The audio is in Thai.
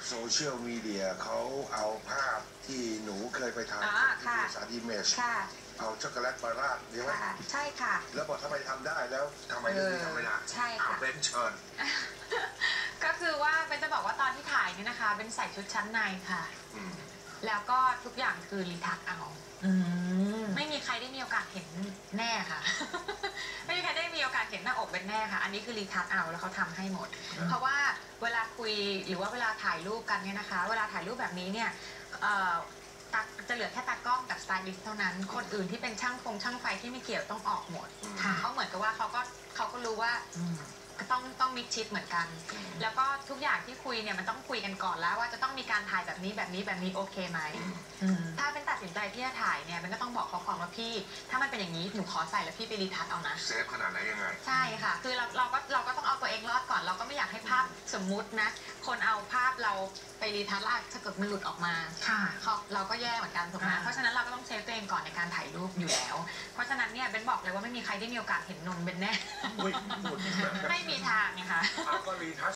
โซเชียลมีเดียเขาเอาภาพที่หนูเคยไปถ่ายที่สารอิมเมจเอาช็อกโกแลตมาราดใช่ไหมใช่ค่ะแล้วบอกทำไมทำได้แล้วทำไมเรื่องนี้ทำไม่ได้ใช่ค่ะเป็นเชิญก็คือว่าเป็นจะบอกว่าตอนที่ถ่ายเนี่ยนะคะเป็นใส่ชุดชั้นในค่ะแล้วก็ทุกอย่างคือรีทัชเอาไม่มีใครได้มีโอกาสเห็นแน่ค่ะ ไม่มีใครได้มีโอกาสเห็นหน้าอกเป็นแน่ค่ะอันนี้คือรีทัชเอาแล้วเขาทำให้หมดเพราะว่าเวลาคุยหรือว่าเวลาถ่ายรูปกันเนี่ยนะคะเวลาถ่ายรูปแบบนี้เนี่ยจะเหลือแค่ตากล้องกับสไตลิสต์เท่านั้นคนอื่นที่เป็นช่างไฟที่ไม่เกี่ยวต้องออกหมดเขาเหมือนกับว่าเขาก็รู้ว่าต้องมิดชิดเหมือนกันแล้วก็ทุกอย่างที่คุยเนี่ยมันต้องคุยกันก่อนแล้วว่าจะต้องมีการถ่ายแบบนี้โอเคไหมถ้าเป็นตัดสินใจที่จะถ่ายเนี่ยมันก็ต้องบอกเขาก่อนว่าพี่ถ้ามันเป็นอย่างนี้หนูขอใส่แล้วพี่ไปรีทัชเอานะเซฟขนาดไหนยังไงใช่ค่ะคือเราก็ต้องเอาตัวเองรอดก่อนเราก็ไม่อยากให้ภาพสมมุตินะคนเอาภาพเราไปรีทัชแล้วถ้าเกิดมันหลุดออกมาเราก็แย่เหมือนกันถูกไหมเพราะฉะนั้นเราก็ต้องเซฟตัวเองก่อนในการถ่ายรูปอยู่แล้วเพราะฉะนั้นเนี่ยเบนบอกเลยว่าไม่มีใครได้มีโอกาสเห็นนมเบนแน่ไม่มีทางไงคะก็รีทัช